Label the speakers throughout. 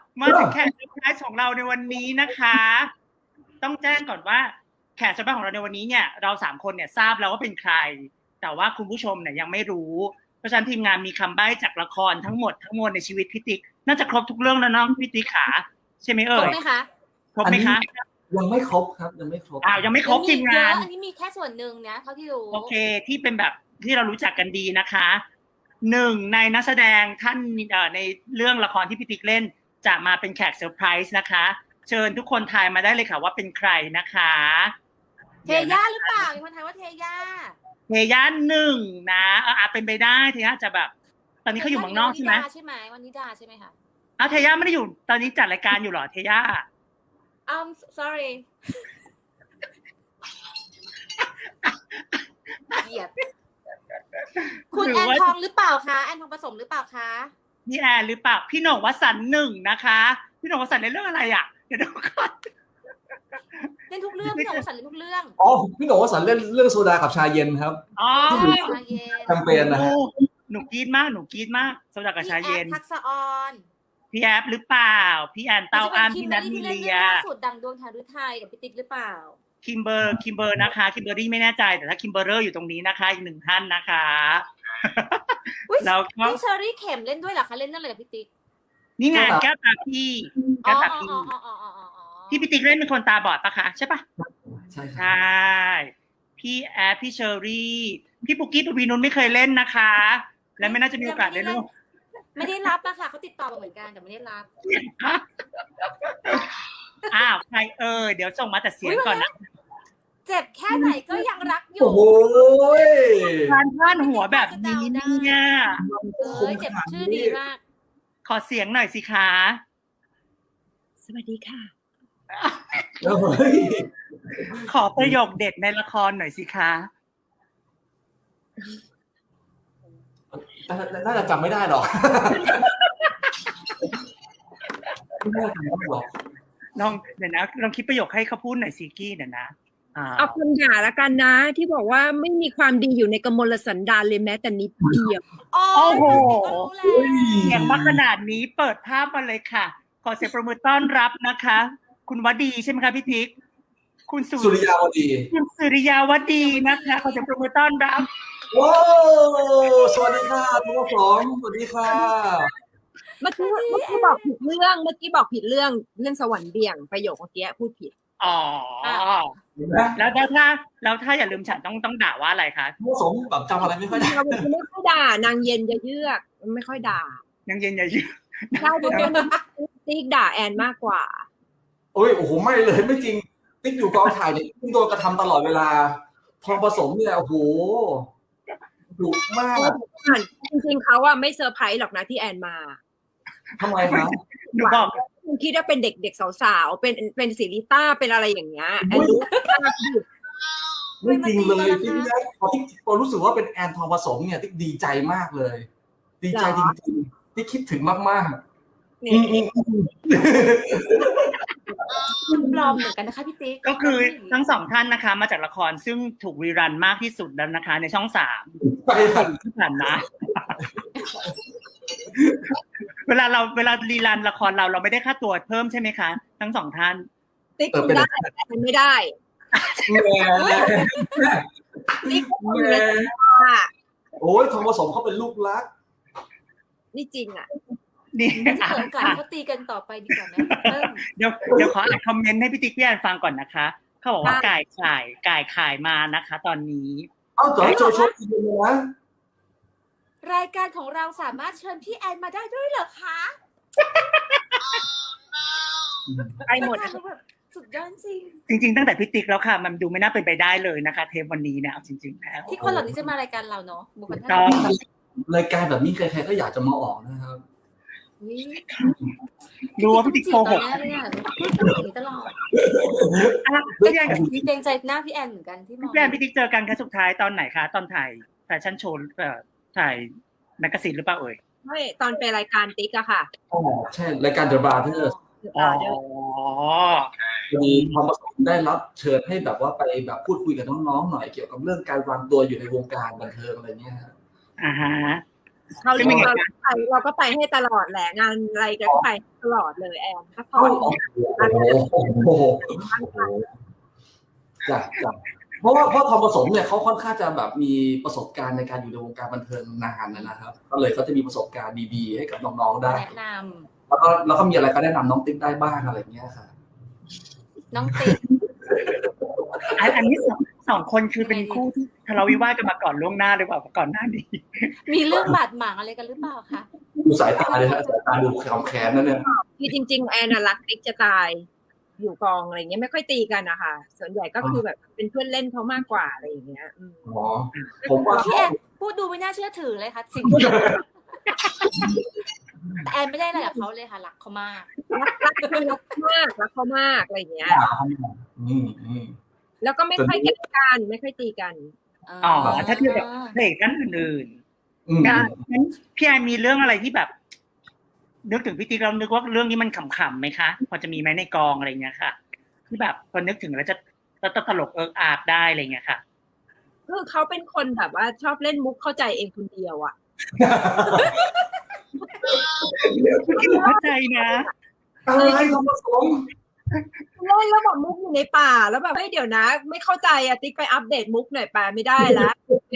Speaker 1: มาถึงแขกเซอร์ไพรส์ของเราในวันนี้นะคะ ต้องแจ้งก่อนว่าแขกเซอร์ไพรส์ของเราในวันนี้เนี่ยเรา3คนเนี่ยทราบแล้วว่าเป็นใคร แต่ว่าคุณผู้ชมเนี่ยยังไม่รู้ เพราะฉะนั้นทีมงานมีคำใบ้จากละครทั้งหมดทั้งมวลในชีวิตพี่ติ๊กน่าจะครบทุกเรื่องแล้วน้องพี่ติ๊กขาใช่ไหมเอ่ย
Speaker 2: ครบไหมคะ
Speaker 1: ครบไหมคะ
Speaker 3: ยังไม่ครบครับยังไม่ครบ
Speaker 1: ยังไม่ครบทีมงาน
Speaker 2: อันนี้มีแค่ส่วนหนึ่งนะเท่าที่รู้
Speaker 1: โอเคที่เป็นแบบที่เรารู้จักกันดีนะคะหนึ่งในนักแสดงท่านในเรื่องละครที่พี่ติ๊กเล่นจะมาเป็นแขกเซอร์ไพรส์นะคะ เชิญทุกคนทายมาได้เลยค่ะว่าเป็นใครนะคะ
Speaker 2: เทย่าหรือเปล่ามีคนทายว่าเทย่า
Speaker 1: เทย่าหนึ่งนะอาจเป็นไปได้เทย่าจะแบบ ตอนนี้เขาอยู่เมืองนอกใช่ไหม
Speaker 2: ใช่ไหมวันนิดาใช่ไหมคะ
Speaker 1: เทย่าไม่ได้อยู่ตอนนี้จัดรายการอยู่เหรอเทย่า
Speaker 2: sorry เหยียดคุณแอนทองหรือเปล่าคะแอนทองผสมหรือเปล่าคะ
Speaker 1: พี่แอนหรือเปล่าพี่โหน่งวสันต์หนึ่งนะคะพี่โหน่งวสันต์ในเรื่องอะไรอ่ะเดี๋ยวดูก่อน
Speaker 2: เล่นทุกเรื่องพี่หนุ่มสันเล่นทุกเรื่อง
Speaker 3: อ๋อพี่หนูวสันต์เล่นเรื่องโซดากับชาเย็นครับ แคมเปญนะฮะ
Speaker 1: หนูกรี๊ดมากโซดากับชาเย็น
Speaker 2: พี่แอฟทักษะออน
Speaker 1: พี่แอฟหรือเปล่าพี่แอนเต้าอ้ามพี่นัทมีเลีย
Speaker 2: สุดดังดวงทารุไทยกับพี่ติ๊กหรือเปล่า
Speaker 1: คิมเบอร์นะคะคิมเบอรี่ไม่แน่ใจแต่ถ้าคิมเบอร์เรอร์อยู่ตรงนี้นะคะอีกหนึ่งท่านนะคะแล้วก็
Speaker 2: พี่เชอรี่เข็มเล่นด้วยเหรอคะเล่นนั่นเลยกับพี่ติ๊ก
Speaker 1: นี่ไงแก้วตาพี่ที่พี่ติ๊กเล่นเป็นคนตาบอดปะคะใช่ปะ
Speaker 3: ใช่ครับ
Speaker 1: ใช่พี่แอฟพี่เชอรี่พี่ปุกกี้ปวีนุชไม่เคยเล่นนะคะ และไม่น่าจะมีโอกาสได้ร่วม
Speaker 2: ไม่ได้รับอะค่ะเขาติดต่อมาเหมือนกันแต่ไม่ได้รับ
Speaker 1: ใครเดี๋ยวส่งมาแต่เสียงก่อนนะ
Speaker 2: เจ็บแค่ไหนก็ยังรักอยู่
Speaker 3: โอ้โห
Speaker 1: การพาดหัวแบบนี้เนี่ย
Speaker 2: เจ็บชื่อดีมาก
Speaker 1: ขอเสียงหน่อยสิคะสวัสดีค่ะ ขอประโยคเด็ดในละครหน่อยสิคะ
Speaker 3: น่าจะจำไม่ได้หรอกไม่น่าจำได้หรอก
Speaker 1: น้องเดี๋ยวนะลองคิดประโยคให้เขาพูดหน่อยสิกี้เดี๋ยวนะ
Speaker 4: เอาคำด่าละกันนะที่บอกว่าไม่มีความดีอยู่ในกมลสันดานเลยแม้แต่นิดเดียว
Speaker 1: โอ้โหเสียงมาขนาดนี้เปิดภาพมาเลยค่ะ ขอเสียงประมือต้อนรับนะคะ คุณวดีใช่ไหมคะพี่ทิกคุณสุริยาวดีคุณสุริยาวดีนะคะขอเสียงประมือต้อนรับ
Speaker 3: ว้าวสวัสดีค่ะทุกคนสวัสดีค่ะ
Speaker 4: เมื่อกี้บอกผิดเรื่องเรื่องสวรรค์เบี่ยงประโยคเมื่อกี้พูดผิด
Speaker 1: แล้วถ้าอย่าลืมฉันต้องด่าว่าอะไรคะ
Speaker 3: ผสมแบบจำอะไรไม่ค่อยได้
Speaker 4: ไม่ค่อยด่านางเย็นจะเยือกไม่ค่อยด่าน
Speaker 1: างเย็นอย่าเยือก
Speaker 4: ใช่ติ๊กด่าแอนมากกว่า
Speaker 3: โอ้โหไม่เลยไม่จริงติ๊กอยู่กองถ่ายเนี่ยติ๊กโดนกระทำตลอดเวลาทองผสมเนี่ยโอ้โหดุมาก
Speaker 4: จริงๆเขาอะไม่เซอร์ไพรส์หรอกนะที่แอนมา
Speaker 3: ทำไมครับ
Speaker 1: หนูบอก
Speaker 4: คุณคิดว่าเป็นเด็กๆสาวๆเป็นศิริต้าเป็นอะไรอย่างเงี้ยแอนรู้
Speaker 3: ไม่จริงเลยที่ได้พอรู้สึกว่าเป็นแอนทองผสมเนี่ยติ๊กดีใจมากเลยดีใจจริงๆที่คิดถึงมากๆ
Speaker 2: ปลอมเหมือนกันนะคะพี่ติ๊ก
Speaker 1: ก็คือทั้งสองท่านนะคะมาจากละครซึ่งถูกรีรันมากที่สุดแล้วนะคะในช่อง3ที่ผ่านมาเวลารีรันละครเราไม่ได้ค่าตัวเพิ่มใช่ไหมคะทั้งสองท่าน
Speaker 4: ติ๊กได้ไม่ได้
Speaker 3: ติ๊กโอ้ยทองผสมเขาเป็นลูกรัก
Speaker 4: นี่จริงอ่ะ
Speaker 1: นี่
Speaker 2: เขาตีกันต่อไปดีกว่านะ
Speaker 1: เดี๋ยวขออ่านคอมเมนต์ให้พี่ติ๊กพี่แอนฟังก่อนนะคะเขาบอกว่าก่ายขายมานะคะตอนนี้
Speaker 3: โจอีกแล้วนะ
Speaker 2: รายการของเราสามารถเชิญพี่แอนมาได้ด้วยเหรอคะ
Speaker 4: ไปหมด
Speaker 2: สุดยอดจ
Speaker 1: ริงตั้งแต่พี่ติ๊กแล้วค่ะมันดูไม่น่าเป็นไปได้เลยนะคะเทปวันนี้เนี่ยจริงๆแล้ว
Speaker 2: ที่คนเหล่านี้จะมารายการเราเนาะบุคคลท่
Speaker 3: านรายการแบบนี้ใครๆก็อยากจะมาออกนะครับ
Speaker 1: ดูว่าพี่ติ๊กโกหก
Speaker 2: ตลอด
Speaker 1: พี่แอน
Speaker 2: เกรงใจหน้าพี่แอนเหมือนกันที่มอง
Speaker 1: พี่แอนพี่ติ๊กเจอกันครั้งสุดท้ายตอนไหนคะตอนถ่ายแฟชั่นโชว์ถ่ายแมกกาซีนหรือเปล่า
Speaker 4: ไม่ตอนไปรายการติ๊กอะค่ะ
Speaker 3: ใช่รายการ The Brothers มีความประสงค์ได้รับเชิญให้แบบว่าไปแบบพูดคุยกับน้องๆหน่อยเกี่ยวกับเรื่องการวางตัวอยู่ในวงการบันเทิงอะไรเงี้ย
Speaker 1: ฮะ
Speaker 4: เขาเรียกเราก็ไปให้ตลอดแหละงานอะไรก็ไปตลอดเลยแอนก็พอ
Speaker 3: โอ้โหจ้ะเพราะทอมผสมเนี่ยเขาค่อนข้างจะแบบมีประสบการณ์ในการอยู่ในวงการบันเทิงนานนะครับก็เลยเขาจะมีประสบการณ์ดีๆให้กับน้องๆได้
Speaker 2: แนะน
Speaker 3: แล้วก็มีอะไรก็แนะนำน้องติ๊กได้บ้างอะไรเงี้ยค่ะ
Speaker 2: ำน้องติ๊ก
Speaker 1: อันนี้สองคนคือเป็นคู่ที่ทะเลาะวิวาทกันมาก่อนล่วงหน้าหรือเปล่าก่อนหน้านี้
Speaker 2: มีเรื่องบาดหมางอะไรกันหรือเปล่าคะ
Speaker 3: ดูสายตาเลยฮะสายตาดูขำแค้นนั่นเนี่ย
Speaker 4: คือจริงๆแอนน่ะรักติ๊กจะตายอยู่กองอะไรเงี้ยไม่ค่อยตีกันนะคะส่วนใหญ่ก็คือแบบเป็นเพื่อนเล่นเขามากกว่าอะไรอย่างเงี้ย
Speaker 3: อ๋อผมว่า
Speaker 2: พี่แอนพูดดูไม่น่าเชื่อถือเลยค่ะสิ่งที่แต่แอนไม่ได้อะไรกับเขาเลยค่ะรักเขามาก
Speaker 4: รักเขามากอะไรอย่างเงี้ย
Speaker 3: อืม
Speaker 4: แล้วก็ไม่ค่อยแกล้งกันไม่ค่อยตีกัน
Speaker 1: อ๋อถ้าเทียบกับเพลงท่านอื่น
Speaker 3: อืม
Speaker 1: ๆงั้นพี่แอนมีเรื่องอะไรที่แบบนึกถึงพี่ติ๊กเรานึกว่าเรื่องนี้มันขำๆไหมคะพอจะมีไหมในกองอะไรเงี้ยค่ะที่แบบพอนึกถึงแล้วจะตลกเอิกอาบได้อะไรเงี้ยค่ะ
Speaker 4: คือเขาเป็นคนแบบว่าชอบเล่นมุกเข้าใจเองคนเดียวอ่ะ
Speaker 1: เข้าใจนะ
Speaker 3: อะไรทอมผสม
Speaker 4: เล่นแล้วแบบมุกอยู่ในป่าแล้วแบบเฮ้ยเดี๋ยวนะ ไม่เข้าใจอะติ๊กไปอัปเดตมุกหน่อยป่าไม่ได้แล้ว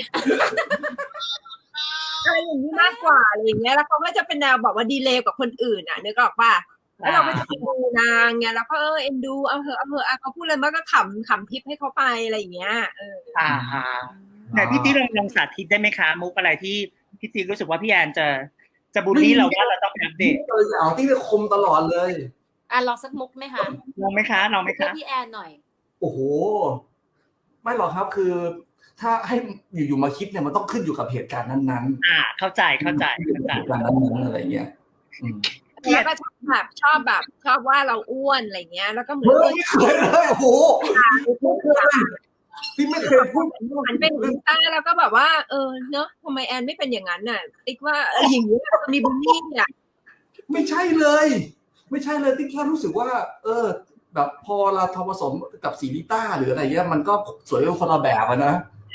Speaker 4: อะไรอย่างนี้มากกว่าอะไรอย่างเงี้ยแล้วเขาก็จะเป็นแนวแบบว่าดีเลย์กับคนอื่นอ่ะนึกออกป่ะแล้วเราก็จะไปดูนางไงแล้วก็เอ็นดูเอาเถอะเขาพูดอะไรมันก็ขำพิบให้เขาไปอะไรอย่างเงี้ย
Speaker 1: ไหนพี่ติ๊กลองสาธิตได้ไหมคะมุกอะไรที่พี่ติ๊กรู้สึกว่าพี่แอนจะบูลลี่เราว่าเราต้องอัปเดต
Speaker 3: เอาที่คมตลอดเลย
Speaker 2: ลองสักมุกไหมคะ
Speaker 1: ลองไหมคะลองไหม
Speaker 2: เพื่อ
Speaker 1: คะ
Speaker 2: พี่แอนหน่อย
Speaker 3: โอ้โหไม่หรอกครับคือ ถ้าให้อยู่มาคิดเนี่ยมันต้องขึ้นอยู่กับเหตุการณ์นั้นๆ
Speaker 1: เข้าใจเหตุการณ์นั้น
Speaker 3: อะไรเงี้ย
Speaker 4: แล้วก็ชอบว่าเราอ้วนอะไรเงี้ยแล้วก็เหมือน
Speaker 3: ไม่เคยเลยโอ้โหพี่ไม่เคยพูด
Speaker 4: มันเป็นลิต้าแล้วก็แบบว่าเนอะทำไมแอนไม่เป็นอย่างนั้นน่ะติ๊กว่าอย่างนี้มีบูลลี่อ่ะ
Speaker 3: ไม่ใช่เลยติ๊กแค่รู้สึกว่า แบบพอเราทำผสมกับสีลิต้าหรืออะไรเงี้ยมันก็สวยคนละแบบนะ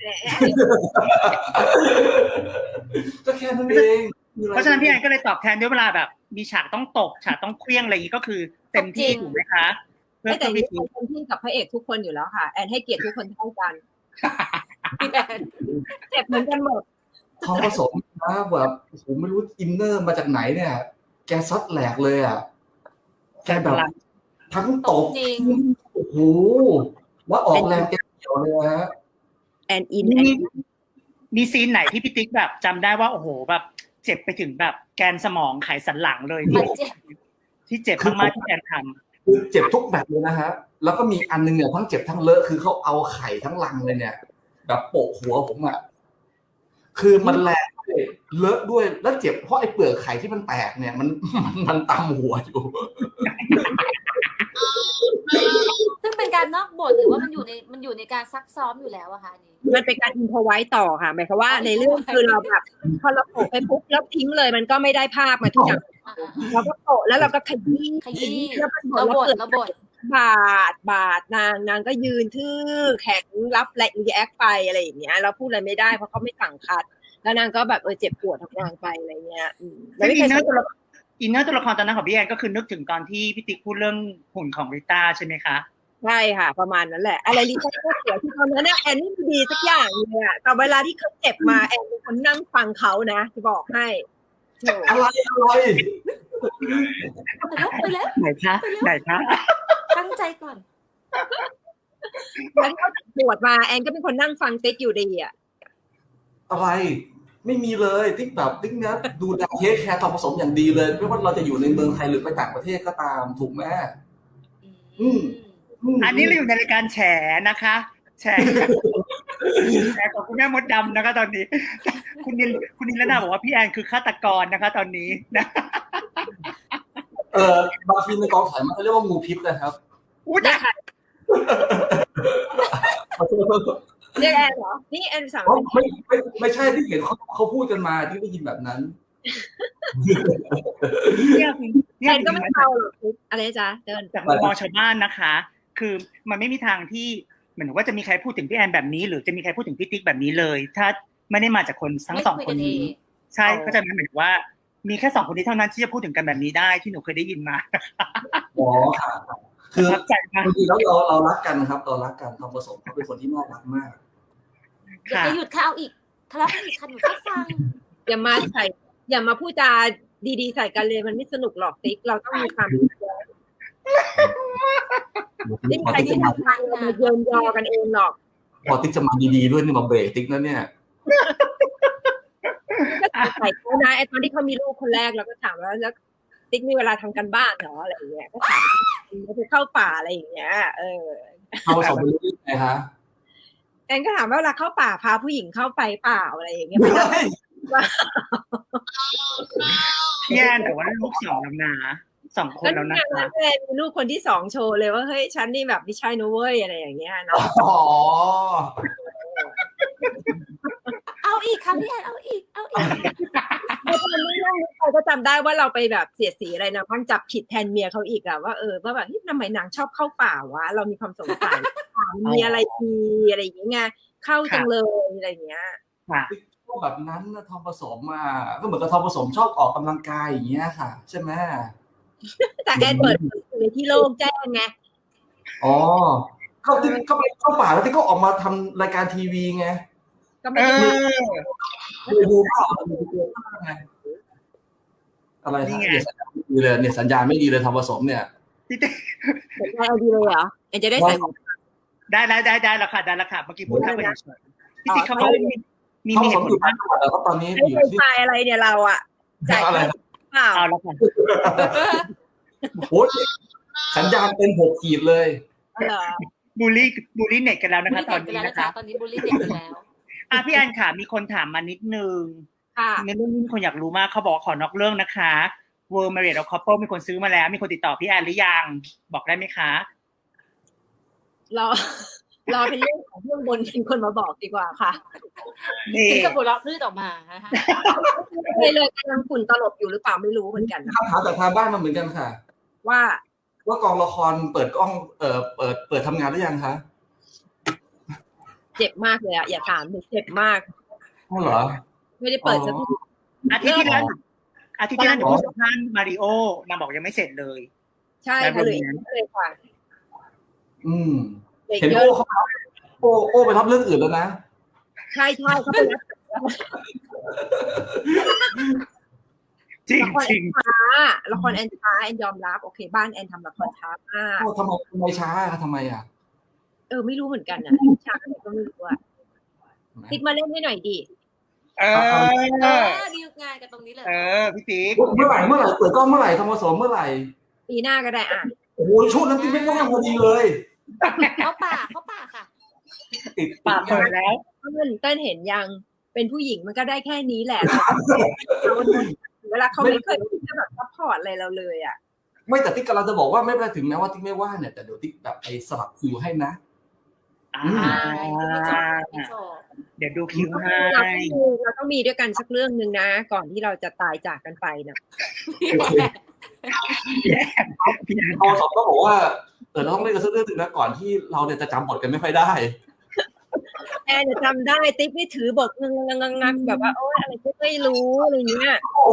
Speaker 3: ก็แค่นั้นเอง
Speaker 1: เพราะฉะนั้นพี่แอนก็เลยตอบแทนด้วยเวลาแบบมีฉากต้องตกฉากต้องเคลี้ยงอะไรอย่างนี้ก็คือเต็มที่ถูกไหมคะเพื่อ
Speaker 4: แต่
Speaker 1: พี่
Speaker 4: แอนเต็มที่กับพระเอกทุกคนอยู่แล้วค่ะแอนให้เกียรติทุกคนเท่ากันเจ็บเหมือนกันหมด
Speaker 3: ทองผสมนะแบบผมไม่รู้อินเนอร์มาจากไหนเนี่ยแกซัดแหลกเลยอ่ะแกแบบทั้งตบโอ้โหว่าออกแรงแกเกี่ยวเลยฮะ
Speaker 4: แอนอิน
Speaker 1: มีซีนไหนที่พี่ติ๊กแบบจำได้ว่าโอ้โหแบบเจ็บไปถึงแบบแกนสมองไขสันหลังเลยที่เจ็บมากๆที่แอนทำ
Speaker 3: คือเจ็บทุกแบบเลยนะฮะแล้วก็มีอันนึงเนี่ยทั้งเจ็บทั้งเลอะคือเขาเอาไข่ทั้งลังเลยเนี่ยแบบโปะหัวผมอ่ะคือมันแรงด้วยเลอะด้วยแล้วเจ็บเพราะไอ้เปลือกไข่ที่มันแตกเนี่ยมันตำหัวอยู่
Speaker 2: ซึ่งเป็นการนอกบทหรือว่ามันอยู่ในการซักซ้อมอยู่แล้วอะคะนี่
Speaker 4: มันเป็นการอินพอไว้ต่อค่ะหมายความว่าในเรื่องคือเราแบบพอเราโปะไปปุ๊บแล้วทิ้งเลยมันก็ไม่ได้ภาพมาทุกอย่างเราก็โปะแล้วเราก็ขยี้แล้วมัน
Speaker 2: เราบท
Speaker 4: บาดนางก็ยืนทื่อแข็งรับรีแอคไปอะไรอย่างเงี้ยเราพูดอะไรไม่ได้เพราะเขาไม่สั่งคัดแล้วนางก็แบบเจ็บปวดทำงานไปอะไรเงี้ย
Speaker 1: แล้วอินเนอร์ตัวละครตอนนั้นของพี่แอนก็คือนึกถึงตอนที่พี่ติ๊กพูดเรื่องหุ่นของริต้าใช่ไหมคะ
Speaker 4: ใช่ค่ะประมาณนั้นแหละอะไรริต้าก็เสียที่ตอนนั้นแอนนี่ดีสักอย่างเลยอะแต่เวลาที่เขาเจ็บมาแอนเป็นคนนั่งฟังเขานะจะบอกให้
Speaker 3: อะไร
Speaker 2: ไปแล้ว
Speaker 1: ไหนคะ
Speaker 2: ตั้งใจก่อน
Speaker 4: แล้วเขาปวดมาแอนก็เป็นคนนั่งฟังติ๊กอยู่ดีอะ
Speaker 3: อะไรไม่มีเลยติ๊กแบบติ๊กนะดูแลเทคแคร์ทำผสมอย่างดีเลยไม่ว่าเราจะอยู่ในเมืองไทยหรือไปต่างประเทศก็ตามถูกไหม
Speaker 1: อันนี้เราอยู่ในรายการแฉนะคะแฉของคุณแม่มดดำนะคะตอนนี้คุณนิลนาบอกว่าพี่แอนคือฆาตกรนะคะตอนนี้นะ
Speaker 3: บางทีในกองถ่ายมันเรียกว่างูพิษนะครับ
Speaker 1: ได้
Speaker 4: เรียกแอนเหรอนี่แอนสั่ง
Speaker 3: ไม่ใช่ที่เห็นเขาพูดกันมาที่ได้ยินแบบนั้น
Speaker 4: แอนก็ไม่เอาหรอกอะไรจ๊ะเดิน
Speaker 1: จากมุมมองชาวบ้านนะคะคือมันไม่มีทางที่เหมือนว่าจะมีใครพูดถึงพี่แอนแบบนี้หรือจะมีใครพูดถึงพี่ติ๊กแบบนี้เลยถ้าไม่ได้มาจากคนทั้งสองคนนี้ใช่ก็จะหมายถึงว่า มีแค่2 คนนี้เท่านั้นที่จะพูดถึงกันแบบนี้ได้ที่หนูเคยได้ยินมา
Speaker 3: อ๋อค่ะคือ
Speaker 1: ประทับใจมาก
Speaker 3: จริงๆแล้วเรารักกันครับเรารักกันทองผสมเขาเป็นคนที่น่ารักมาก
Speaker 2: อย่าหยุดค่ะเอาอีกทะเลาะกันอีกค่ะหนูแค่ฟัง
Speaker 4: อย่ามาพูดจาดีๆใส่กันเลยมันไม่สนุกหรอกติ๊กเราต้องมีความไม่มีใครที่ทำงานมาเยินยอกันเองหรอก
Speaker 3: พอติ๊กจะมาดีๆด้วยนี่มาเบรกติ๊กนะเนี่ย
Speaker 4: ก็ใส่เขานะไอ้ตอนที่เขามีลูกคนแรกเราก็ถามแล้วติ๊กมีเวลาทำกันบ้านเหรออะไรอย่างเงี้ยก็ถามเขาไปเข้าป่าอะไรอย่างเงี้ย
Speaker 3: ทองผสมเป็นเรื่องไงคะ
Speaker 4: แอนก็ถามว่าเวลาเข้าป่าพาผู้หญิงเข้าไปเปล่าอะไรอย่างเงี้ย
Speaker 1: พี่แอนแต่ว่าลูก2แล้วนะ2 คนแล้วนะคะ
Speaker 4: แอนมีลูกคนที่2โชว์เลยว่าเฮ้ยฉันนี่แบบไม่ใช่นะเว้ยอะไรอย่างเงี้ยเนาะ
Speaker 3: อ๋อ
Speaker 2: เอาอีกค่ะพี่แอนเอาอีก
Speaker 4: ตอนนี้นั่งนึกไปก็จำได้ว่าเราไปแบบเสียดสีอะไรนะพังจับผิดแทนเมียเขาอีกอะว่าว่าแบบทำไมนางชอบเข้าป่าวะเรามีความสงสัยมีอะไรดีอะไรอย่างเงี้ยเข้าจังเลยอะไรอย่างเงี้ย
Speaker 1: ค่ะ
Speaker 3: พวกแบบนั้นนะทองผสมมาก็เหมือนกับทองผสมชอบออกกำลังกายอย่างเงี้ยค่ะ ใช่ไหม
Speaker 4: แต่แอนเปิดในที่โล่งแจ้งไง
Speaker 3: อ๋อเขาที่เขาไปเข้าป่าแล้วที่เขาออกมาทำรายการทีวีไง
Speaker 4: ก็ไม่ได้
Speaker 3: ดูเปล่าอะไรเนี่ยสัญญาณไม่ดีเลยเนี่ยสัญญาณไม่ดีเลยทองผสมเนี่ย
Speaker 1: พี่ติ๊ก
Speaker 4: สนใจเอาดีเลยเหรอแอนจะได้ใส่หมวก
Speaker 1: ได้แล้วค่ะเมื่อกี้พูดเข้าไปเฉยๆพี่ติ๊กเขาบอกมี
Speaker 3: ทองผ
Speaker 1: เห
Speaker 3: ส
Speaker 1: ตุ
Speaker 3: ม
Speaker 1: ผ
Speaker 3: อ
Speaker 1: ล
Speaker 3: ยู่
Speaker 1: ว่า
Speaker 3: ต่างจังหวัดแล้วก็ตอนนี้
Speaker 4: ไอ้
Speaker 3: อยู่
Speaker 4: ไฟ
Speaker 3: ที่
Speaker 4: ไฟอะไรเนี่ยเราอะจ่าย
Speaker 3: อะไร
Speaker 4: เปล่า
Speaker 1: เอาแล้วค่ะ
Speaker 3: โอ้ยสัญญาณเป็น6 ขีดเลย
Speaker 4: เหรอ
Speaker 1: บูลลี่เน็ตกันแล้วนะคะตอนนี้นะคะ
Speaker 2: ตอนนี้บูลลี่เด็กกันแล้ว
Speaker 1: พี่แอนค่ะมีคนถามมานิดนึง
Speaker 4: ค่ะ
Speaker 1: ในเรื่องนี้มีคนอยากรู้มากเขาบอกขอนอกเรื่องนะคะ World Marriott of Couple มีคนซื้อมาแล้วมีคนติดต่อพี่แอนหรือยังบอกได้ไหมคะ
Speaker 4: รอเป็นเรื่องของเรื่องบนเป็นคนมาบอกดีกว่าค่ะ
Speaker 1: นี่
Speaker 2: ถึงกับหัวเราะพืดออกมานะคะ
Speaker 4: เลยกำลังฝุ่นตลบอยู่หรือเปล่าไม่รู้เหมือนกัน
Speaker 3: คำถามจากทางบ้านมาเหมือนกันค่ะ
Speaker 4: ว่า
Speaker 3: ว่ากองละครเปิดกล้องเปิดทำงานหรือยังคะ
Speaker 4: เจ็บมากเลยอะอย่าถามเจ็บมาก
Speaker 3: อ๋อเหรอ
Speaker 4: ไม่ได้เปิดสักที
Speaker 1: อาทิตย์ที่แล้วหนูพูดสัมภาษณ์มาริโอนางบอกยังไม่เสร็จเลย
Speaker 4: ใช่ค่ะเลยค่ะ
Speaker 3: เห็นโอ้ไปรับเรื่องอื่นแล้วนะ
Speaker 4: ใช่เขาไปรับ
Speaker 1: จริง
Speaker 4: ละครแอนช้าแอนยอมรับโอเคบ้านแอนทำละครช้ามาก
Speaker 3: ทำไมช้าทำไมอ่ะ
Speaker 4: ไม่รู้เหมือนกันนะช้าก็ไม่รู้อะติ๊กมาเล่นให้หน่อยดิ
Speaker 2: ดีงานกันตรงนี้เลย
Speaker 1: พี่ติ๊ก
Speaker 3: เมื่อไหร่เปิดกล้องเมื่อไหร่ทำผสมเมื่อไหร่
Speaker 4: ปีหน้าก็ได้อ่ะ
Speaker 3: โอ้โหช่วงนั้นที่ไม่ว่างพอดีเลย
Speaker 2: เข้าป่าค่ะ
Speaker 3: ติด
Speaker 1: ปากเปิดแล้ว
Speaker 4: เต้นเห็นยังเป็นผู้หญิงมันก็ได้แค่นี้แหละเวลาเขาไม่เคยจะแบบซัพพอร์ตอะไรเราเลยอ่ะ
Speaker 3: ไม่แต่ติ๊กกำลังจะบอกว่าไม่เป็นไรถึงแม้ว่าติ๊กไม่ว่างเนี่ยแต่เดี๋ยวติ๊กแบบไปสลับคิวให้นะ
Speaker 1: เดี๋ยวดูคิวให้
Speaker 4: เราต้องมีด้วยกันสักเรื่องนึงนะก่อนที่เราจะตายจากกันไปนะ
Speaker 3: พอสอบก็บอกว่าเราต้องเล่นกันสักเรื่องนึงนะก่อนที่เราเนี่ยจะจำบทกันไม่ค่อยได้
Speaker 4: แอนจะจำได้ติ๊กไม่ถือบทงักแบบว่าโอ๊ยอะไรก็ไม่รู้อะไรเงี้ย
Speaker 3: โอ้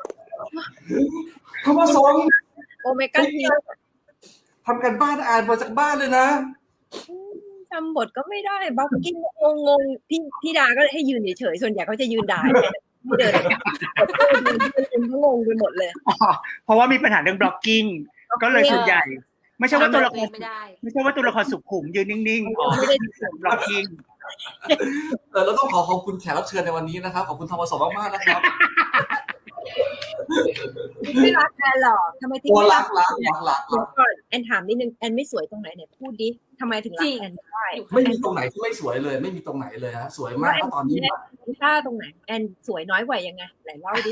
Speaker 3: ทำผสม
Speaker 4: โอเมก้าที
Speaker 3: ทำกันบ้านอ่านมาจากบ้านเลยนะ
Speaker 4: จำบทก็ไม่ได้บล็อกกิ้งงงพี่ดาก็ให้ยืนเฉยๆส่วนใหญ่เขาจะยืนด่าไม่เดินเป็นงงไปหมดเลย
Speaker 1: เพราะว่ามีปัญหาเรื่องบล็อกกิ้งก็เลยส่วนใหญ่ไม่ใช่ว่าตัวละคร
Speaker 2: ไม่ใช่ว่าตัวละคร
Speaker 1: สุขุมยืนนิ่งๆ
Speaker 4: ไม่ได้
Speaker 1: บล็อกกิ้ง
Speaker 3: เราต้องขอบคุณแขกรับเชิญในวันนี้นะครับขอบคุณทอมผสมมากๆนะครับ
Speaker 4: ไม่รักแอนหรอกทำไมติ๊ก
Speaker 3: โอ้
Speaker 4: ไม่
Speaker 3: รั
Speaker 4: รั
Speaker 3: ก
Speaker 4: ก่อนแอนถามนิดนึงแอนไม่สวยตรงไหนเนี่ยพูดดิทำไมถึงรักแอนได้
Speaker 3: ไม่มีตรงไหนที่ไม่สวยเลยไม่มีตรงไหนเลยฮะสวยมากตอนนี้
Speaker 4: ลิซ่าตรงไหนแอนสวยน้อยกว่ายังไงไหนเล่าดิ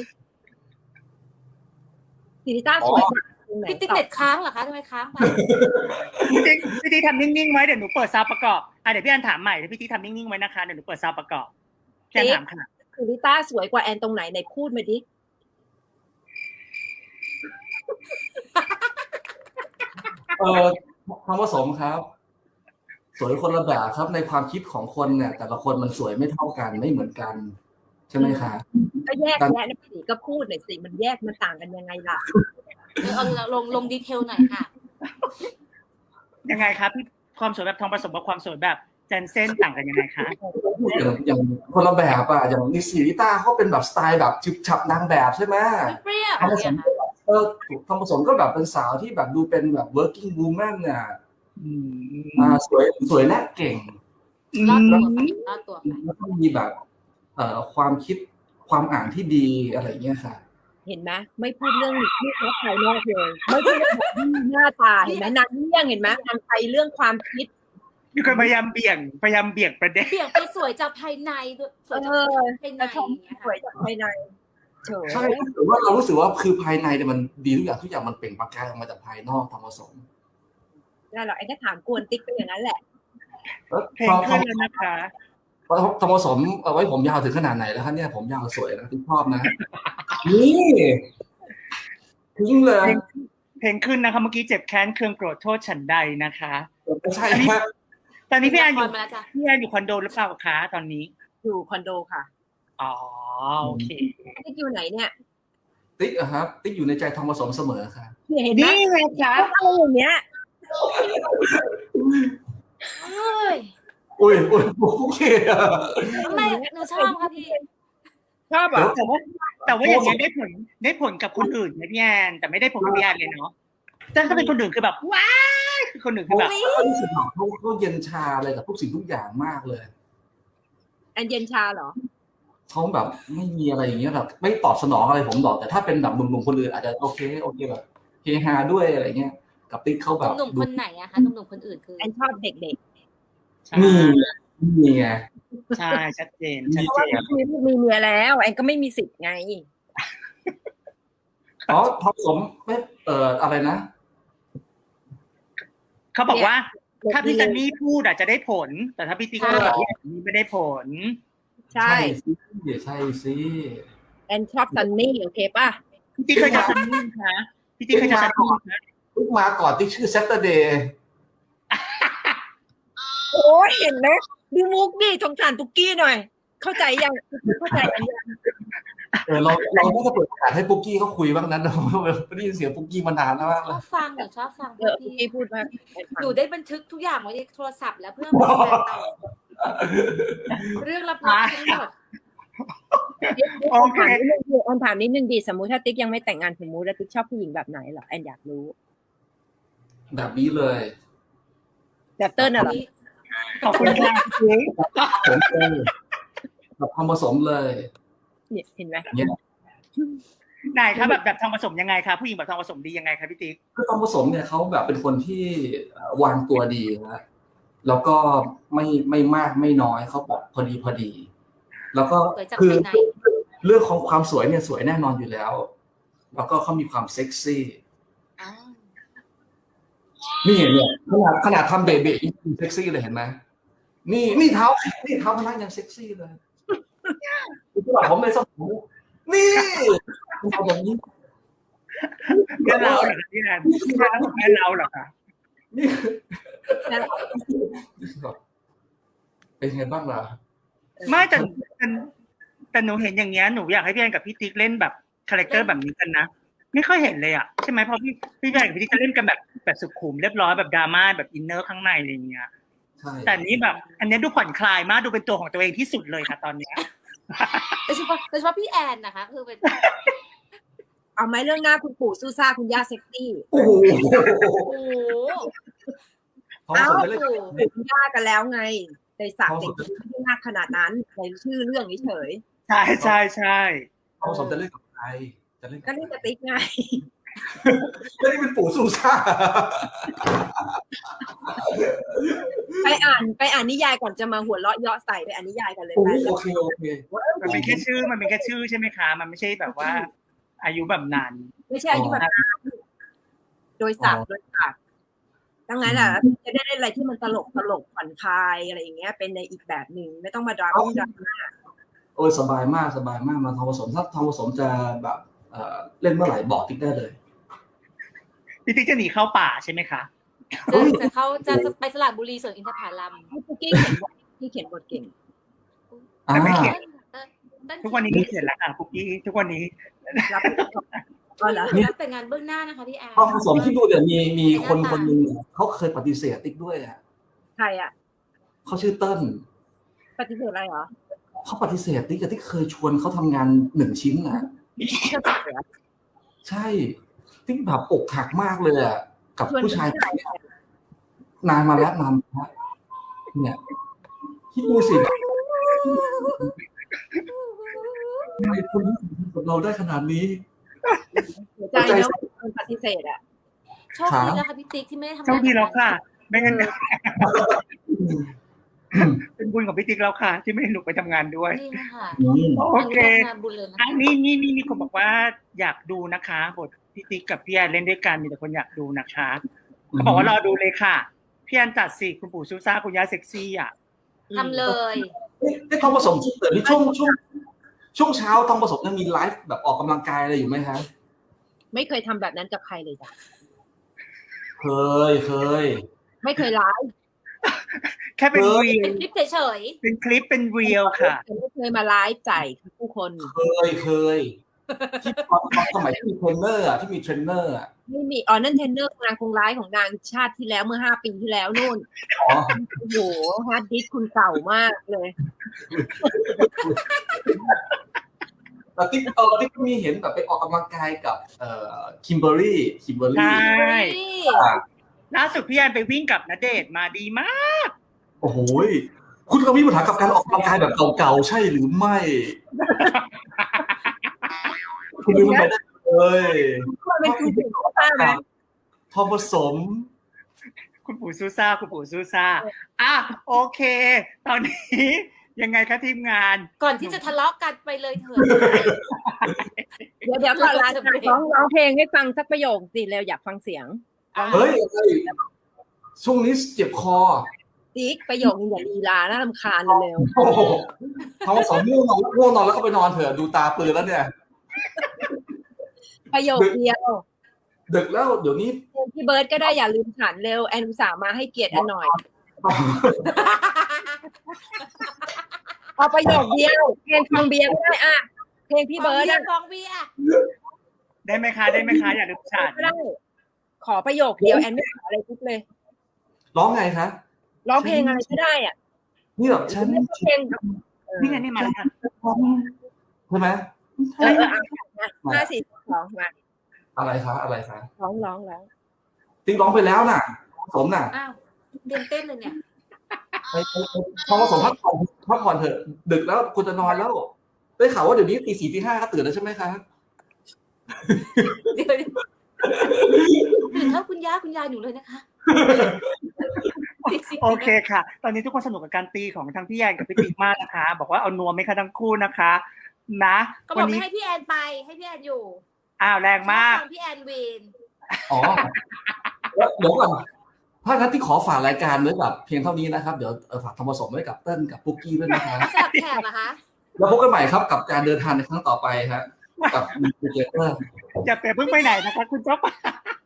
Speaker 4: ลิซ่าสวยตรงไหน
Speaker 2: พี่ติ๊กเน็ตค้างเหรอคะทำไมค้างไป
Speaker 1: พี่ติ๊กทำนิ่งๆไว้เดี๋ยวหนูเปิดซาวประกอบเดี๋ยวพี่แอนถามใหม่เดี๋ยวพี่ติ๊กทำนิ่งๆไว้นะคะเดี๋ยวหนูเปิดซาวประกอบแอนถามค่ะ
Speaker 4: คือลิซ่าสวยกว่าแอนตรงไหนไหนพูดมาดิ
Speaker 3: ทอมผสมครับสวยคนละแบบครับในความคิดของคนเนี่ยแต่ละคนมันสวยไม่เท่ากันไม่เหมือนกันฉช่ไหมคะ
Speaker 4: ก็แยกแยะนะสิก็พูดหน่อยสิมันแยกมันต่างกันยังไงล่ะ
Speaker 2: เอาลงดีเทลหน่อยค่ะ
Speaker 1: ยังไงครับพี่ความสวยแบบทองผสมกับความสวยแบบเจนเซ่นต่างกันยังไงคะ
Speaker 3: อย่างคนละแบบอะอย่างนิสิริต้าเขาเป็นแบบสไตล์แบบฉึบฉับนางแบบใช่ไหม
Speaker 2: เปรี้ยว
Speaker 3: ทองผส
Speaker 2: เนี่
Speaker 3: ม
Speaker 2: ยค่ะ
Speaker 3: ทองผสมก็แบบเป็นสาวที่แบบดูเป็นแบบ working woman เนี่ย
Speaker 1: อืม
Speaker 3: สวยและเก่ง
Speaker 2: รอดตัวไปรอดตัวไป
Speaker 3: แล้วก็มีแบบความคิดความอ่านที่ดีอะไรเงี้ยค่ะ
Speaker 4: เห็นไหมไม่พูดเรื่องที่เขาภายนอกเลยไม่พูดเรื่องแบบหน้าตาเห็นไหมนางเลี่ยงเห็นไหมนางไปเรื่องความคิด
Speaker 1: มีคนพยายามเบี่ยงประเด็น
Speaker 2: เปลี่ยนไปสวยจากภายในสวยจากภายใน
Speaker 4: แต่ชม
Speaker 2: อย่างเงี้ย
Speaker 4: สวย
Speaker 2: ค่ะ
Speaker 4: จากภายในเฉย
Speaker 3: ใช่หรือว่าเรารู้สึกว่าคือภายในเนี่ยมันดีทุกอย่างมันเปล่งประกายออกมาจากภายนอกทองผสม
Speaker 4: ได้หรอกไอ้ก็ถามกวนติ๊กไปอย่างนั้นแหละ
Speaker 3: แล้ว
Speaker 1: เพลงขึ้นแล้วนะคะ
Speaker 3: ทองผสมเอาไว้ผมยาวถึงขนาดไหนแล้วครับเนี่ยผมยาวสวยนะที่ชอบนะ นี่ทิ้งเลย
Speaker 1: เพลงขึ้นนะคะเมื่อกี้เจ็บแค้นเคืองโกรธโทษฉันใดนะคะ
Speaker 3: ไม่ใช่ครับ
Speaker 1: ตอนนี้พี่แอนอยู่
Speaker 2: มาแล้วจ้ะ
Speaker 1: อยู่คอนโดหรือเปล่าคะตอนนี้
Speaker 4: อยู่คอนโดค่ะ
Speaker 1: อ๋อโอเค
Speaker 4: ติ๊กอยู่ไหนเนี่ย
Speaker 3: ติ๊กอะครับติ๊กอยู่ในใจทองผสมเสมอค่ะ
Speaker 4: เห็นไหม
Speaker 1: นี่ไงคะ
Speaker 4: อะไรอย่างเงี้ย
Speaker 2: เฮ้ย
Speaker 3: อุ้ยโอเคอะ
Speaker 2: ทำไมหนูชอบค่ะพี่
Speaker 4: ชอบเหรอ
Speaker 1: แต่ว่าอย่างเงี้ยได้ผลกับคนอื่นนะพี่แอนแต่ไม่ได้ผลกับพี่แอนเลยเนาะแต่ถ้าเป็นคนอื่นคือแบบว้ายคือคนอื่นคือแบบ
Speaker 3: เขารู้สึกแบบเขาเย็นชาอะไรกับทุกสิ่งทุกอย่างมากเลย
Speaker 4: อันเย็นชาเหรอ
Speaker 3: เขาแบบไม่มีอะไรอย่างเงี้ยแบบไม่ตอบสนองอะไรผมหรอกแต่ถ้าเป็นแบบหนุ่มๆคนอื่นอาจจะโอเคแบบเฮฮาด้วยอะไรเงี้ยกับติ๊กเขาแบบ
Speaker 2: หนุ่มคนไหนอะคะหนุ่มคนอื่นคือ
Speaker 4: แอนชอบเด็ก
Speaker 1: ใช่
Speaker 3: นี่ไง
Speaker 1: ใช่ชัดเจน
Speaker 4: ๆ เพราะว่าพี่มีเมียแล้วแอนก็ไม่มีสิทธิ์ไง
Speaker 3: อ๋อทองผสมไม่อะไรนะ
Speaker 1: เขาบอกว่าถ้าพี่ซันนี่พูดอาจจะได้ผล แต่ถ้าพี่ติ๊กพูดแบบนี้ไม่ได้ผล
Speaker 4: ใช่
Speaker 3: ใช่สิ
Speaker 4: แอนชอบซันนี่โอเคป่ะ
Speaker 1: พี่ติ๊กเคยจะซันนี่คะพี่ติ๊กเคยจะซันนี่คะ
Speaker 3: ติ๊กมาก่อนติ๊กชื่อ Saturday
Speaker 4: โอ้ยเห็นไหมดูมุกดิสงสารตุ๊กกี้หน่อย เข้าใจยังเข้าใจยัง
Speaker 3: เราน่าจะเปิดโอกาสให้ปุ๊กกี้เขาคุยบ้างนั้นเราไม่ได้ยินเสียงปุ๊กกี้มานานแล้วมาก
Speaker 2: ช
Speaker 3: เล
Speaker 2: อย บฟังหนูชอบฟัง
Speaker 4: ตุ๊ก
Speaker 2: พี่
Speaker 4: กี้พูดมาก
Speaker 2: หนูได้บันทึกทุกอย่างไว้ในโทรศัพท์แล้วเพื่อมาแชร์ต่อเรื่องลับๆทั้งหมด
Speaker 1: โอเค
Speaker 4: แอนถามนิดนึงดิสมมุติถ้าติ๊กยังไม่แต่งงานสมมุติแล้วติ๊กชอบผู้หญิงแบบไหนเหรอแอนอยากรู้
Speaker 3: แบบนี้เลย
Speaker 4: แบบเติ้ลน่ะเหรอ
Speaker 1: ขอบคุณค่ะ
Speaker 3: ผมเลยแบบทำผสมเลย
Speaker 4: เนี่ยเห็นไหม
Speaker 1: ไหนคะแบบทองผสมยังไงคะผู้หญิงแบบทองผสมดียังไงคะพี่ติ๊ก
Speaker 3: คือทำผสมเนี่ยเขาแบบเป็นคนที่วางตัวดีนะแล้วก็ไม่มากไม่น้อยเขาแบบพอดี แล้วก็
Speaker 2: สวยจาก
Speaker 3: คือ
Speaker 2: ภายใน
Speaker 3: เรื่องของความสวยเนี่ยสวยแน่นอนอยู่แล้ว แล้วก็เขามีความเซ็กซี่
Speaker 2: อ้าว
Speaker 3: นี่เนี่ยขนาดทำเบเบะยังเซ็กซี่เลยเห็นไหมนี่เท้าพนักยังเซ็กซี่เลยคือแบบผมเลยสมองนี่ทำแบบนี้
Speaker 1: แม่เราเหรอคะพี่แอนแม่เราเหรอคะ
Speaker 3: นี่เป็นไงบ้างล่ะ
Speaker 1: ไม่แต่หนูเห็นอย่างเงี้ยหนูอยากให้พี่แอนกับพี่ติ๊กเล่นแบบคาแรคเตอร์แบบนี้กันนะไม่ค่อยเห็นเลยอ่ะใช่ไหมเพราะพี่แอนกับพี่ติ๊กจะเล่นกันแบบสุขุมเรียบร้อยแบบดราม่าแบบอินเนอร์ข้างในอะไรอย่างเงี้ย
Speaker 3: ใช่
Speaker 1: แต่นี้แบบ อันนี้ดูผ่อนคลายมากดูเป็นตัวของตัวเองที่สุดเลยค่ะตอนเนี้ย
Speaker 2: โดยเฉพาะพี่แอนนะคะคือเป็น
Speaker 4: เอาไหมเรื่องหน้าคุณปู่ซูซ่าคุณย่าเซ็กซี่
Speaker 3: โอ้โห
Speaker 2: โอ้โห
Speaker 3: ทองผสมจะเล่น
Speaker 4: คุณย่ากันแล้วไงในศักดิ์เด็กไม่ได้มากขนาดนั้นในชื่อเรื่องเฉย
Speaker 1: ใช่ใช่ใช่
Speaker 3: ทองผสมจะเล่นกับใครจะเล่น
Speaker 4: ก็เล่นกับติ๊กไง
Speaker 3: ไม่ได้เป็นปู่ซูซ่า
Speaker 4: ไปอ่านนิยายก่อนจะมาหัวเราะเยาะใส่ไปอ่านนิยายกันเลย
Speaker 3: โอ
Speaker 4: ไป
Speaker 3: เคโอเค
Speaker 1: มันเป็นแค่ชื่อใช่ไหมคะมันไม่ใช่แบบว่า อายุแบบนั้น
Speaker 4: ไม่ใช่อายุแบบนั้นโดยศักดิ์ดังนั้นอ่ะจะได้เล่นอะไรที่มันตลกผ่อนคลายอะไรอย่างเงี้ยเป็นในอีกแบบหนึ่งไม่ต้องมาดราม่า
Speaker 3: โอ้ยสบายมากมาทองผสมถ้าทองผสมจะแบบเล่นเมื่อไหร่บอกติ๊กได้เลย
Speaker 1: พี่ติ๊กจะหนีเข้าป่าใช่ไหมคะ
Speaker 2: จะไปสระบุรีสวนอินทผลัม
Speaker 4: ให้ปุ๊กกี้เขียนบทเก่ง
Speaker 1: แต่ไม่เขียนทุกวันนี้ไม่เสร็จแล้วค่ะปุ๊กกี้ทุกวันนี้
Speaker 4: รับก็เหรอ
Speaker 2: รับแต่งานเบื้องหน้านะคะพี่แอน
Speaker 3: ทองผสมที่ดูเดี๋ยวมีคนหนึ่งเขาเคยปฏิเสธติ๊กด้วยอ่ะ
Speaker 4: ใครอ่ะ
Speaker 3: เขาชื่อเติ้ล
Speaker 4: ปฏิเสธอะไรเหรอ
Speaker 3: เขาปฏิเสธติ๊กแต่ติ๊กเคยชวนเขาทำงาน1 ชิ้นอ่ะใช่ติ๊กแบบอกหักมากเลยอ่ะกับผู้ชายนานมาแล้วเนี่ยคิดดูสิทำไมคนที่กับเราได้ขนาดนี้
Speaker 4: เสียใจเนาะคนปฏิเสธอ่ะ
Speaker 2: โชคดีแล้วค่ะพี่ติ๊กที่ไม่ได้ทำ
Speaker 1: โชคดีแล้วค่ะ ไม่งั้นเป็นบุญของพี่ติ๊กแล้วค่ะ ที่ไม่ให้หนูไปทำงานด้วย
Speaker 2: นี่นะคะ
Speaker 1: โอเค
Speaker 2: งานบุญเลยนะ
Speaker 1: อันนี้มีคนบอกว่าอยากดูนะคะบทพี่ติ๊กกับพี่แอนเล่นด้วยกันมีแต่คนอยากดูนะคะเขาบอกว่ารอดูเลยค่ะพี่แอนจัดสิคุณปู่ซูซ่าคุณย่าเซ็กซี่อ่ะ
Speaker 2: ทำเลย
Speaker 3: นี่ทองผสมเดี๋ยวนี้ช่วงเช้าทองผสมเนี่ยมีไลฟ์แบบออกกำลังกายอะไรอยู่ไหมคะ
Speaker 4: ไม่เคยทำแบบนั้นกับใครเลยจ้ะ
Speaker 3: เคย
Speaker 4: ไม่เคยไลฟ์
Speaker 1: แค่เป็นรีล
Speaker 2: เป็นคลิปเฉย
Speaker 1: เป็นคลิปเป็นเรียลค่ะ
Speaker 4: ไม่เคยมาไลฟ์จ่ายผู้คน
Speaker 3: เคยที่ตอนสมัยที่มีเทรนเนอร์อ่ะที่มีเทรนเนอร์อ่ะ
Speaker 4: ไม่มีนั่นเทรนเนอร์นางคงไลฟ์ของนางชาติที่แล้วเมื่อ5 ปีที่แล้วนู่น
Speaker 3: อ๋อ
Speaker 4: โอ้โหฮาร์ดดิสก์คุณเก่ามากเลย
Speaker 3: แต่ติ๊กก็มีเห็นแบบไปออกกำลังกายกับคิมเบอรี่
Speaker 1: ใช่
Speaker 2: ๆนี่
Speaker 1: ล่าสุดพี่แอนไปวิ่งกับณเดชน์มาดีมาก
Speaker 3: โอ้โหคุณก็มีปัญหากับการออกกำลังกายแบบเก่าๆใช่หรือไม่ คุณลืมมันไปได้เลย
Speaker 4: เป็นคุณถึงข้าไหม
Speaker 3: ทองผสม
Speaker 1: คุณปู่ซูซ่าอ่ะโอเค ตอนนี้ยังไงคะทีมงาน
Speaker 2: ก่อนที่จะทะเลาะกันไปเลยเถิด
Speaker 4: เดี๋ยวก่อนละร้องเพลงให้ฟังสักประโยคสิเร็วอยากฟังเสียง
Speaker 3: เฮ้ยช่วงนี้เจ็บคอ
Speaker 4: ติ๊กประโยคนึงอย่าลีลาน่ารำคาญเร็ว
Speaker 3: โอ้โหทองผสมง่วงนอนแล้วก็ไปนอนเถอะดูตาปืนแล้วเนี่ย
Speaker 4: ประโยคเดียว
Speaker 3: ดึกแล้วเดี๋ยวนี้
Speaker 4: พี่เบิร์ดก็ได้อย่าลืมฉันเร็วแอนอุตส่าห์มาให้เกียรติแอนหน่อยเอาประโยคเดียวเพลงฟังเบียร์ก็ได้อะเพลงพี่เบิร์ดอะ
Speaker 2: ฟองเบียร์
Speaker 1: ได้ไหมคะอย่าลืมฉาด
Speaker 4: ก็ได้ขอประโยคเดียวแอนไม่ขออะไรทุกเลย
Speaker 3: ร้องไงคะ
Speaker 4: ร้องเพลงอะไรก็ได้อ่ะ
Speaker 3: นี่แบบฉัน
Speaker 4: เพลง
Speaker 1: นี่ไงนี่มาแล้วค่ะ
Speaker 3: ใช่ไหม
Speaker 4: 5 4 2มา
Speaker 3: อะไรคะ
Speaker 4: ร้อง
Speaker 3: ติ๊งร้องไปแล้วน่ะผสมน่ะ
Speaker 2: อ้าวเรียนเต้นเลยเนี่ย
Speaker 3: ไปทองผสมพักผ่อนเถอะดึกแล้วคุณจะนอนแล้วได้ข่าวว่าเดี๋ยวนี้ตี 4 ตี 5ก็ตื่นแล้วใช่ไหมคะ
Speaker 2: เดี๋ยวตื่นเท่าคุณย่าหนูเลยนะคะ
Speaker 1: โอเคค่ะ ตอนนี้ทุกคนสนุกกับการตีของทั้งพี่แอนกับพี่ติ๊กมากนะคะ บอกว่าเอานัวไหมคะทั้งคู่นะคะ นะ
Speaker 2: ก็บ
Speaker 1: วั
Speaker 2: อก
Speaker 1: น
Speaker 2: ไม่
Speaker 1: นี้
Speaker 2: ให้พี่แอนไปให้พี่แอนอยู่
Speaker 1: อ้าวแรงมาก
Speaker 2: ชอบฟังพี่แอนวีน
Speaker 3: อ๋อแล้วเดี๋ยวก่อนถ้างั้นที่ขอฝากรายการไว้กับเพียงเท่านี้นะครับเดี๋ยวฝากทองผสมไว้กับเติ้ลกับปุ๊กกี้ด้วยนะครับ
Speaker 2: สลับแขกเหรอคะ
Speaker 3: แล้วพบกันใหม่ครับกับการเดินทางในครั้งต่อไปครับกับมิเจเตอร์
Speaker 1: อย่าเพิ่งไปไหนนะคะ คุณเจ้าป่า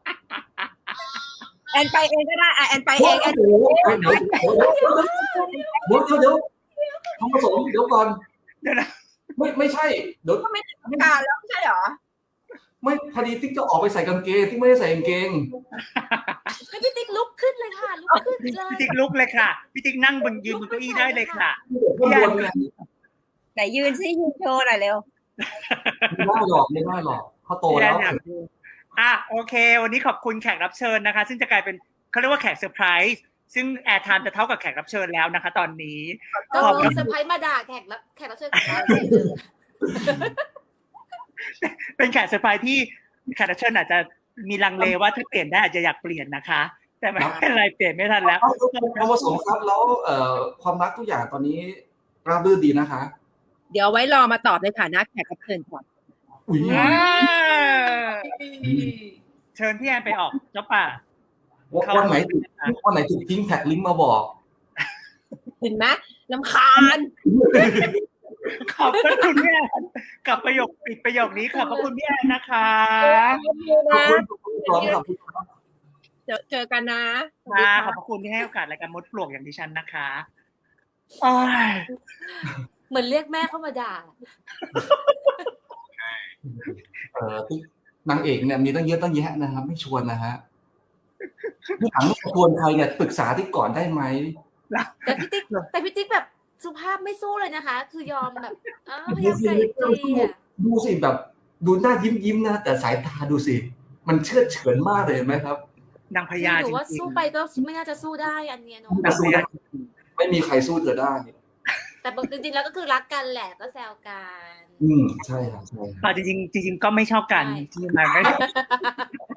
Speaker 4: แอนไปเองก็ได้แอนไปเองแอน
Speaker 3: เดี๋ยวทองผสมเดี๋ยวก่อน
Speaker 1: เดี๋ยวนะ
Speaker 3: ไม่ใช่เดี๋ยว
Speaker 4: ก็ไม่ทำการแล้วไม่ใช่หรอ
Speaker 3: ไม่พอดีติ๊กจะออกไปใส่กางเกงติ๊กไม่ได้ใส่กางเกง
Speaker 2: ให้พี่ติ๊กลุกขึ้นเลยค่ะลุกขึ้นเลย
Speaker 1: พี่ติ๊กลุกเลยค่ะพี่ติ๊กนั่งยืนบนเก้าอี้ได้เลยค่ะ
Speaker 3: ข้างบนเนี่ย
Speaker 4: ไหนยืนซิยืนโชว์หน่อยเร็ว
Speaker 3: ไม่ได้หรอกเขาโตแล้ว
Speaker 1: โอเค วันนี้ขอบคุณแขกรับเชิญนะคะ ซึ่งจะกลายเป็นเขาเรียกว่าแขกเซอร์ไพรส์ซึ่งแอร์ไทม์จะเท่ากับแขกรับเชิญแล้วนะคะ ตอนนี้
Speaker 2: ก็คือเซอร์ไพรส์มาด่าแขกรับเชิญของเรา
Speaker 1: เป็นแขกเซอร์ไพรส์ที่แขกรับเชิญอาจจะมีลังเลว่าถ้าเปลี่ยนได้อาจจะอยากเปลี่ยนนะคะ แต่ไม่เป็นไรเปลี่ยนไม่ทันแล้ว
Speaker 3: ทองผสมครับแล้วความรักทุกอย่างตอนนี้ราบรื่นดีนะคะ
Speaker 4: เดี๋ยวไว้รอมาตอบในฐานะแขกรับเชิญก่อน
Speaker 3: อุ้ย
Speaker 1: เชิญพี่แอนไปออกเจ้าป่า
Speaker 3: วันไหนถูกทิ้งแท็กลิงก์มาบอก
Speaker 4: เห็นไหมลำคาญ
Speaker 1: ขอบคุณพี่แอนกับประโยคปิดประโยคนี้ขอบคุณพี่แอนนะคะ
Speaker 3: ขอบคุณครับ
Speaker 4: เจอกันนะ
Speaker 1: ขอบคุณที่ให้โอกาสรายการมดปลวกอย่างดิฉันนะคะโอ้ย
Speaker 2: เหมือนเรียกแม่เข้ามาด่า
Speaker 3: ที่นางเอกเนี่ยมีตั้งเยอะตั้งแยะนะครับ ไม่ชวนนะฮะที่หลังชวนใครเนี่ยปรึกษาที่ก่อนได้ไหม
Speaker 2: แต่พี่ติ๊กแบบสุภาพไม่สู้เลยนะคะ คือยอมแบบพยายามไกลเกลี่ย
Speaker 3: ดูสิแบบดูหน้ายิ้มนะแต่สายตาดูสิมันเชื่อดเฉือนมากเลยเห็นไหมครับ
Speaker 1: นางพญา
Speaker 2: หนู
Speaker 1: จ
Speaker 2: ว่า
Speaker 1: ริง
Speaker 2: สู้ไปก็ไม่น่าจะสู้ได้อันเนี้ยเนาะ
Speaker 3: ไม่สู้ได้ไม่มีใครสู้เธอได้
Speaker 2: แต่จริงๆแล้วก็คือรักกันแหละก็แซวกัน
Speaker 3: ใช่ครับใช่
Speaker 1: ๆจริงๆก็ไม่ชอบกัน
Speaker 2: ใช่
Speaker 1: ที่มันไม่